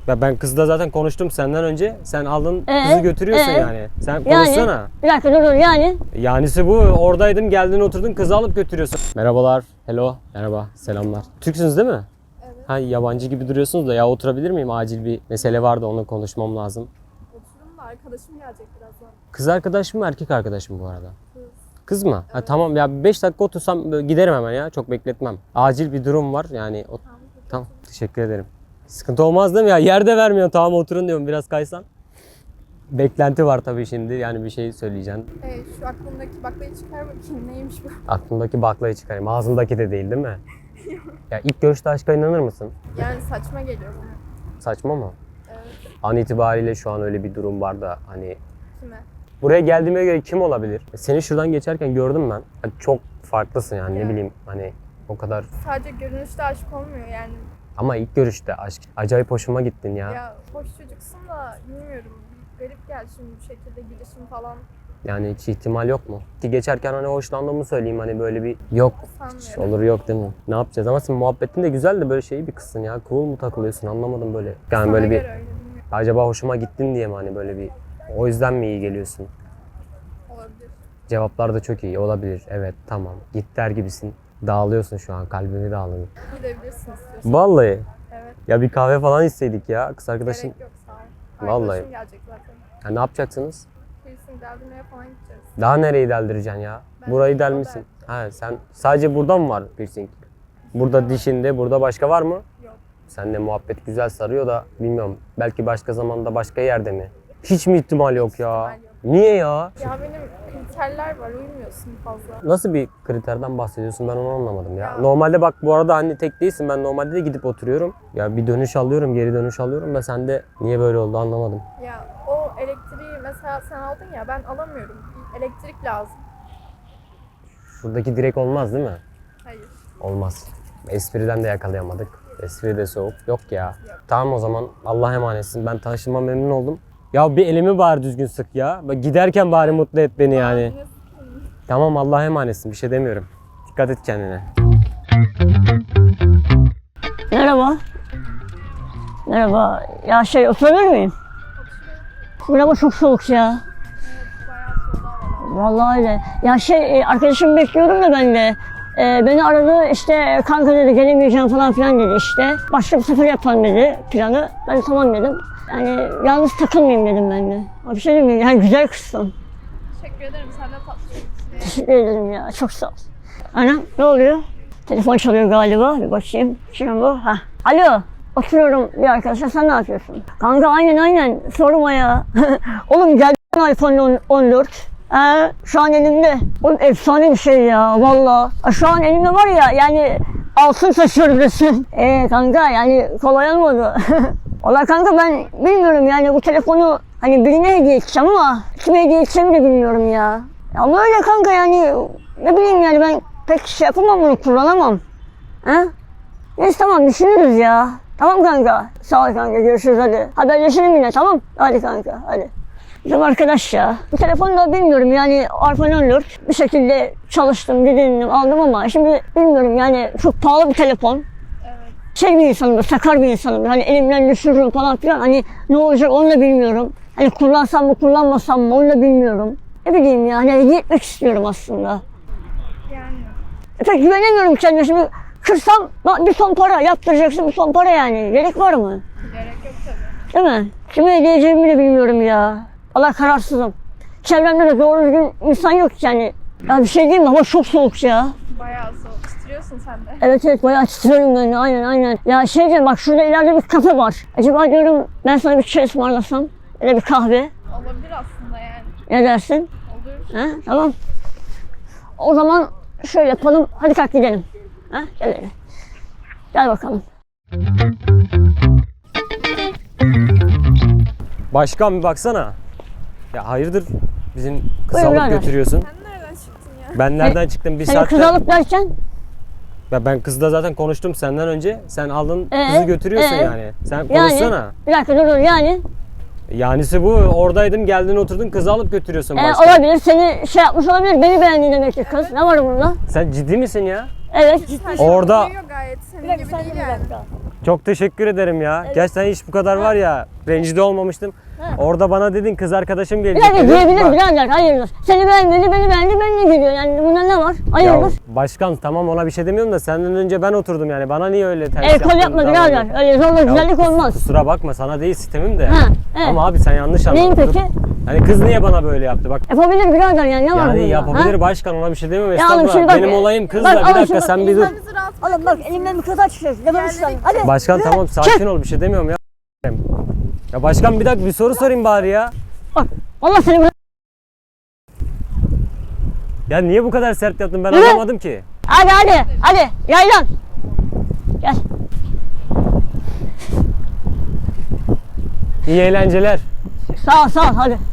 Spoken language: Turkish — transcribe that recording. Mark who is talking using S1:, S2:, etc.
S1: Ya ben kızla zaten konuştum senden önce. Sen aldın kızı götürüyorsun yani. Sen konuşsana.
S2: Yani, bir dakika dur yani.
S1: Yanisi bu. Oradaydım, geldin oturdun, kızı alıp götürüyorsun. Merhabalar. Hello. Merhaba. Selamlar. Türksünüz değil mi? Evet. Ha, yabancı gibi duruyorsunuz da ya, oturabilir miyim? Acil bir mesele vardı, onu konuşmam lazım.
S3: Oturun da arkadaşım gelecek birazdan.
S1: Kız arkadaş mı, erkek arkadaş mı bu arada? Kız mı? Evet. Ha, tamam ya, 5 dakika otursam giderim hemen ya. Çok bekletmem. Acil bir durum var yani. Tamam. Teşekkür ederim. Sıkıntı olmaz değil mi ya? Yerde vermiyor. Tamam oturun diyorum, biraz kaysan. Beklenti var tabii şimdi. Yani bir şey söyleyeceksin.
S3: Şu aklımdaki baklayı çıkar bakayım, neymiş bu?
S1: Aklımdaki baklayı çıkarayım. Ağzımdaki de değil mi? Ya ilk görüşte aşka inanır mısın?
S3: Yani saçma geliyor bana.
S1: Saçma mı?
S3: Evet.
S1: An itibariyle şu an öyle bir durum var da hani...
S3: Kime?
S1: Buraya geldiğime göre kim olabilir? Seni şuradan geçerken gördüm ben. Hani çok farklısın yani, ne bileyim hani o kadar...
S3: Sadece görünüşte aşk olmuyor yani.
S1: Ama ilk görüşte aşk. Acayip hoşuma gittin ya.
S3: Ya hoş çocuksun da bilmiyorum. Bir garip geldi şimdi bu şekilde gidişim falan.
S1: Yani hiç ihtimal yok mu? Ki geçerken hani hoşlandığımı söyleyeyim, hani böyle bir yok. Hiç olur yok değil mi? Ne yapacağız? Ama senin muhabbetin de güzel de böyle şey bir kızsın ya. Cool mu takılıyorsun, anlamadım böyle. Yani
S3: Sana
S1: böyle bir...
S3: göre öyle, bilmiyorum.
S1: Acaba hoşuma gittin diye mi hani böyle bir... O yüzden mi iyi geliyorsun?
S3: Olabilir.
S1: Cevaplar da çok iyi olabilir. Evet, tamam. Git der gibisin. Dağılıyorsun şu an. Kalbimi dağılıyor.
S3: Gidebilirsin istiyorsan.
S1: Vallahi.
S3: Evet.
S1: Ya bir kahve falan isteydik ya. Kız arkadaşın.
S3: Gerek yok, sağ ol.
S1: Vallahi.
S3: Arkadaşım gelecek zaten.
S1: Ya ne yapacaksınız?
S3: Piercing deldirmeye falan gideceğiz.
S1: Daha nereyi deldireceksin ya?
S3: Ben
S1: Burayı
S3: burada
S1: delmişsin. Ha, sen sadece burada mı var piercing? Burada dişinde, burada başka var mı?
S3: Yok.
S1: Seninle muhabbet güzel sarıyor da bilmiyorum. Belki başka zamanda başka yerde mi? Hiç mi ihtimal yok ya?
S3: ihtimal yok.
S1: Niye ya?
S3: Ya benim kriterler var, uymuyorsun fazla.
S1: Nasıl bir kriterden bahsediyorsun, ben onu anlamadım ya. Normalde bak bu arada hani tek değilsin, ben normalde de gidip oturuyorum. Ya bir dönüş alıyorum, geri dönüş alıyorum da sende niye böyle oldu anlamadım.
S3: Ya o elektriği mesela sen aldın ya, ben alamıyorum. Bir elektrik lazım.
S1: Şuradaki direk olmaz değil mi?
S3: Hayır.
S1: Olmaz. Espriden de yakalayamadık. Espri de soğuk. Yok ya.
S3: Yok.
S1: Tamam o zaman, Allah'a emanetsin. Ben tanıştığıma memnun oldum. Ya bir elimi bari düzgün sık ya. Bak giderken bari mutlu et beni yani. Tamam, Allah'a emanetsin, bir şey demiyorum. Dikkat et kendine.
S2: Merhaba. Merhaba. Ya oturabilir miyim? Burası çok soğuk ya.
S3: Bayağı soğudu havalar.
S2: Vallahi öyle. Ya arkadaşımı bekliyorum da ben de. Beni aradı işte, kanka dedi gelemeyeceğim falan filan dedi işte. Başka bir sefer yapalım dedi planı. Ben de tamam dedim. Yani yalnız takılmayayım dedim ben de. Ama bir şey diyeyim mi? Yani güzel kızsın.
S3: Teşekkür ederim, sen de tatlısın.
S2: Teşekkür ederim ya, çok sağ ol. Anam ne oluyor? Telefon çalıyor galiba, bir bakayım. Kim bu? Ha. Alo, oturuyorum bir arkadaşa, sen ne yapıyorsun? Kanka aynen sorma ya. Oğlum geldi iPhone 14. Şu an elimde. Oğlum efsane bir şey ya valla. Şu an elimde var ya, yani altın taşıyorum resmen. Kanka yani kolay olmadı. Valla kanka ben bilmiyorum yani, bu telefonu hani birine hediye edeceğim ama kime hediye edeceğimi de bilmiyorum ya. Ama öyle kanka yani, ne bileyim yani, ben pek şey yapamam, bunu kullanamam. Ha? Neyse tamam, düşünürüz ya. Tamam kanka. Sağ ol kanka, görüşürüz hadi. Haberleşelim yine, tamam. Hadi kanka hadi. Bizim arkadaş ya. Bu telefonu da bilmiyorum yani, iPhone 14 bir şekilde çalıştım, dinledim, aldım ama şimdi bilmiyorum yani, çok pahalı bir telefon.
S3: Evet.
S2: Bir insanım, sakar bir insanım. Hani elimden düşürürüm falan filan. Hani ne olacak onu da bilmiyorum. Hani kullansam mı kullanmasam mı onu da bilmiyorum. Ne bileyim ya, hani hediye etmek istiyorum aslında.
S3: Yani.
S2: Pek güvenemiyorum kendime. Şimdi kırsam bir ton para yaptıracaksın, bir ton para yani. Gerek var mı?
S3: Gerek yok tabii.
S2: Değil mi? Kime hediye edeceğimi de bilmiyorum ya. Allah, kararsızım. Çevremde de doğru düzgün insan yok yani. Ya bir şey diyeyim mi? Hava çok soğuk ya.
S3: Bayağı soğuk. Titriyorsun sen de.
S2: Evet bayağı titriyorum ben de, aynen. Ya diyeceğim, bak şurada ileride bir kafe var. Acaba diyorum ben sana bir çay ısmarlasam, ya da bir kahve.
S3: Olabilir aslında yani.
S2: Ne dersin?
S3: Olur.
S2: Ha, tamam. O zaman şöyle yapalım. Hadi kalk gidelim. Ha, gel. Gel bakalım.
S1: Başkan bir baksana. Ya hayırdır, bizim kızı
S2: Buyurun
S1: alıp
S2: birader.
S1: götürüyorsun.
S3: Sen nereden çıktın ya?
S1: Ben nereden çıktım bir
S2: Seni
S1: saatte?
S2: kız alıp derken?
S1: Ya ben kızla zaten konuştum senden önce. Sen aldın kızı götürüyorsun yani. Sen konuşsana.
S2: Yani, bir dakika dur yani.
S1: Yanisi bu. Oradaydım, geldin oturdun, kızı alıp götürüyorsun başkan.
S2: Olabilir, seni yapmış olabilir. Beni beğendi demek ki kız. Ne var bunda?
S1: Sen ciddi misin ya?
S2: Evet.
S1: Orada-
S3: Duyuyor gayet. Senin gibi değil yani.
S1: Çok teşekkür ederim ya. Gerçekten hiç bu kadar var ya rencide olmamıştım. Orada bana dedin kız arkadaşım
S2: Bir
S1: gelecek.
S2: dakika
S1: dedin.
S2: diyebilir
S1: Bak-
S2: birader, hayırdır. Seni beğenmedi, beni beğendi, benimle geliyor. Yani bunda ne var?
S1: Ya
S2: Hayırdır.
S1: başkan tamam ona bir şey demiyorum da senden önce ben oturdum yani. Bana niye öyle ters
S2: El kol
S1: yaptın,
S2: yapma
S1: davrandın?
S2: birader. Öyle zorla güzellik olmaz.
S1: Kusura bakma sana değil sistemim de.
S2: Ha, evet.
S1: Ama abi sen yanlış anladın.
S2: Neyin peki?
S1: Hani kız niye bana böyle yaptı bak.
S2: Yapabilir birader yani ne var bunda?
S1: Yani yapabilir
S2: ha?
S1: başkan ona bir şey demiyorum.
S2: Ya oğlum
S1: Estağfurullah.
S2: şimdi bak-
S1: Benim olayım kızla.
S2: bak,
S1: Bir
S2: oğlum
S1: dakika
S2: şimdi
S1: sen
S2: bak,
S1: bir dur.
S3: Sen bizi rahat
S2: Oğlum bak elimden bir kıza çıkıyorsun. Ne bakıyorsun lan? Hadi.
S1: Başkan
S2: yürü.
S1: tamam sakin ol bir şey demiyorum ya. Ya başkan bir dakika bir soru sorayım bari ya.
S2: Bak Allah seni bırak.
S1: Ya niye bu kadar sert yaptın ben
S2: Yürü.
S1: anlamadım ki.
S2: Hadi yaylan. Gel.
S1: İyi eğlenceler.
S2: Sağ ol hadi.